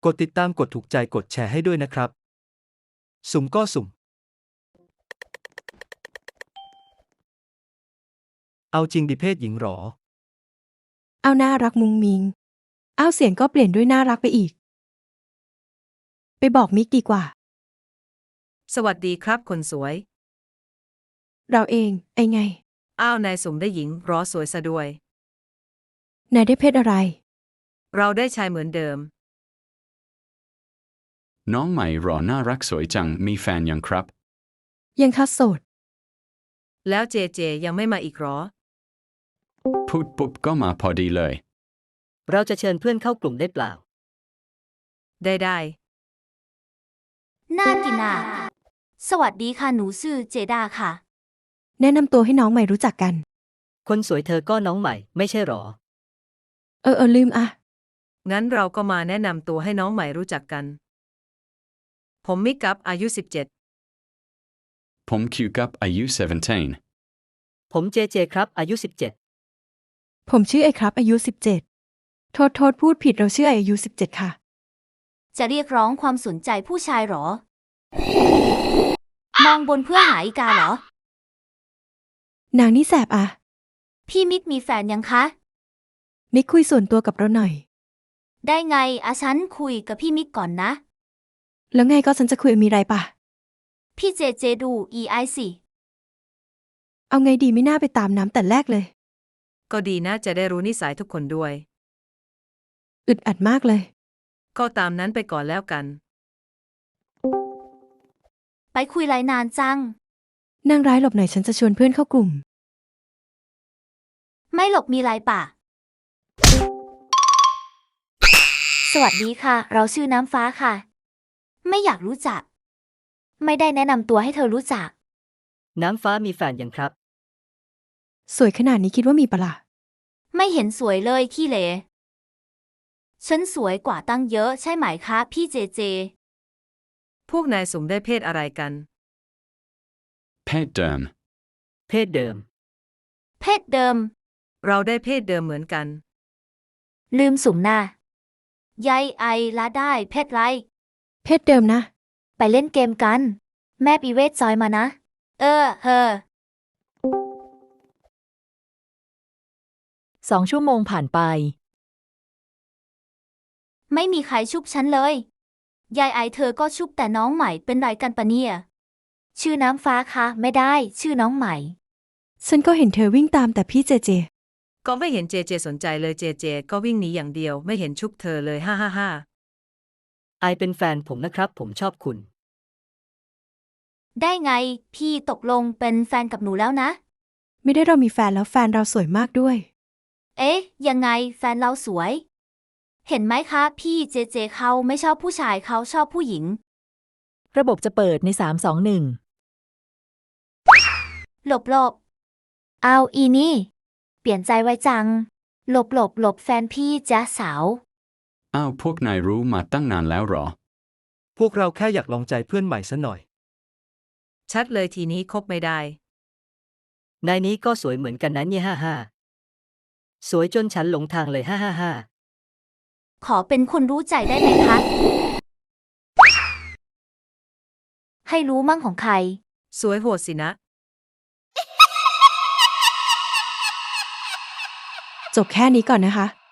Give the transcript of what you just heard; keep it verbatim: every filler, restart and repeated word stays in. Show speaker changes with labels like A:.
A: กดติดตามกดถูกใจกดแชร์ให้ด้วยนะครับสุ่มก็สุ่มเอาจริงดิเพศหญิงหรอ
B: เอาน่ารักมุงมิงเอาเสียงก็เปลี่ยนด้วยน่ารักไปอีกไปบอกมิกดีกว่า
C: สวัสดีครับคนสวย
B: เราเองไอไง
C: อ้าวนายสุ่มได้หญิงรอสวยซะด้วย
B: นายได้เพศอะไร
C: เราได้ชายเหมือนเดิม
D: น้องใหม่หรอน่ารักสวยจังมีแฟนยังครับ
B: ยังคัดโสด
C: แล้วเจเจยังไม่มาอีกหรอ
D: พูดปุ๊บก็มาพอดีเลย
E: เราจะเชิญเพื่อนเข้ากลุ่มได้เปล่า
C: ได้ได้
F: น่ากินอ่ะสวัสดีค่ะหนูชื่อเจดาค่ะ
B: แนะนำตัวให้น้องใหม่รู้จักกัน
E: คนสวยเธอก็น้องใหม่ไม่ใช่หรอ
B: เออเออลืมอ่ะ
C: งั้นเราก็มาแนะนำตัวให้น้องใหม่รู้จักกันผมมิกกับอายุสิบเจ็ด
D: ผมคิวกับอายุสิบเจ็ด
E: ผมเจเจครับอายุสิบเจ็ด
B: ผมชื่อไอครับอายุสิบเจ็ดโทษโทษพูดผิดเราชื่อไออายุสิบเจ็ดค่ะ
F: จะเรียกร้องความสนใจผู้ชายหรอมองบนเพื่อหาอีกาเหร
B: อนางนี่แสบอ่ะ
F: พี่มิกมีแฟนยังคะ
B: มิกคุยส่วนตัวกับเราหน่อย
F: ได้ไงอาฉันคุยกับพี่มิกก่อนนะ
B: แล้วไงก็ฉันจะคุยมีไรป่ะ
F: พี่เจเจดู อี ไอ สิ
B: เอาไงดีไม่น่าไปตามน้ำแต่แรกเลย
C: ก็ดีนะจะได้รู้นิสัยทุกคนด้วย
B: อึดอัดมากเลย
C: ก็ตามนั้นไปก่อนแล้วกัน
F: ไปคุยไรนานจัง
B: นางร้ายหลบหน่อยฉันจะชวนเพื่อนเข้ากลุ่ม
F: ไม่หลบมีไรป่ะสวัสดีค่ะเราชื่อน้ำฟ้าค่ะไม่อยากรู้จักไม่ได้แนะนำตัวให้เธอรู้จัก
E: น้ำฟ้ามีแฟนยังครับ
B: สวยขนาดนี้คิดว่ามีปะล่ะ
F: ไม่เห็นสวยเลยขี้เหร่ฉันสวยกว่าตั้งเยอะใช่ไหมคะพี่เจเจ
C: พวกนายสุ่มได้เพศอะไรกัน
D: เพศเดิม
E: เพศเดิม
F: เพศเดิม
C: เราได้เพศเดิมเหมือนกัน
F: ลืมสุ่มหน้ายายไอละได้เพศไร
B: เพศเดิมนะ
F: ไปเล่นเกมกันแม่ปีเวทจอยมานะเออเฮอ
G: สองชั่วโมงผ่านไป
F: ไม่มีใครชุบฉันเลยยายไอเธอก็ชุบแต่น้องใหม่เป็นไรกันปะเนี่ยชื่อน้ำฟ้าคะไม่ได้ชื่อน้องใหม่
B: ฉันก็เห็นเธอวิ่งตามแต่พี่เจเจ
C: ก็ไม่เห็นเจเจสนใจเลยเจเจก็วิ่งหนีอย่างเดียวไม่เห็นชุบเธอเลยฮ่าฮ่าฮ่า
E: ไอเป็นแฟนผมนะครับผมชอบคุณ
F: ได้ไงพี่ตกลงเป็นแฟนกับหนูแล้วนะ
B: ไม่ได้เรามีแฟนแล้วแฟนเราสวยมากด้วย
F: เอ๊ะยังไงแฟนเราสวยเห็นไหมคะพี่เจเจเขาไม่ชอบผู้ชายเขาชอบผู้หญิง
G: ระบบจะเปิดในสาม สอง หนึ่ง
F: หลบหลบเอาอีนี่เปลี่ยนใจไว้จังหลบหลบหลบแฟนพี่จ๊ะสาว
D: อ้าวพวกนายรู้มาตั้งนานแล้วหรอ
A: พวกเราแค่อยากลองใจเพื่อนใหม่ซะหน่อย
C: ชัดเลยทีนี้คบไม่ได้
E: นายนี้ก็สวยเหมือนกันนะเนี่ยฮ่าฮ่าสวยจนฉันหลงทางเลยฮ่าฮ่าฮ่า
F: ขอเป็นคนรู้ใจได้ไหมคะให้รู้มั่งของใคร
C: สวยโหดสินะ
B: จบแค่นี้ก่อนนะคะ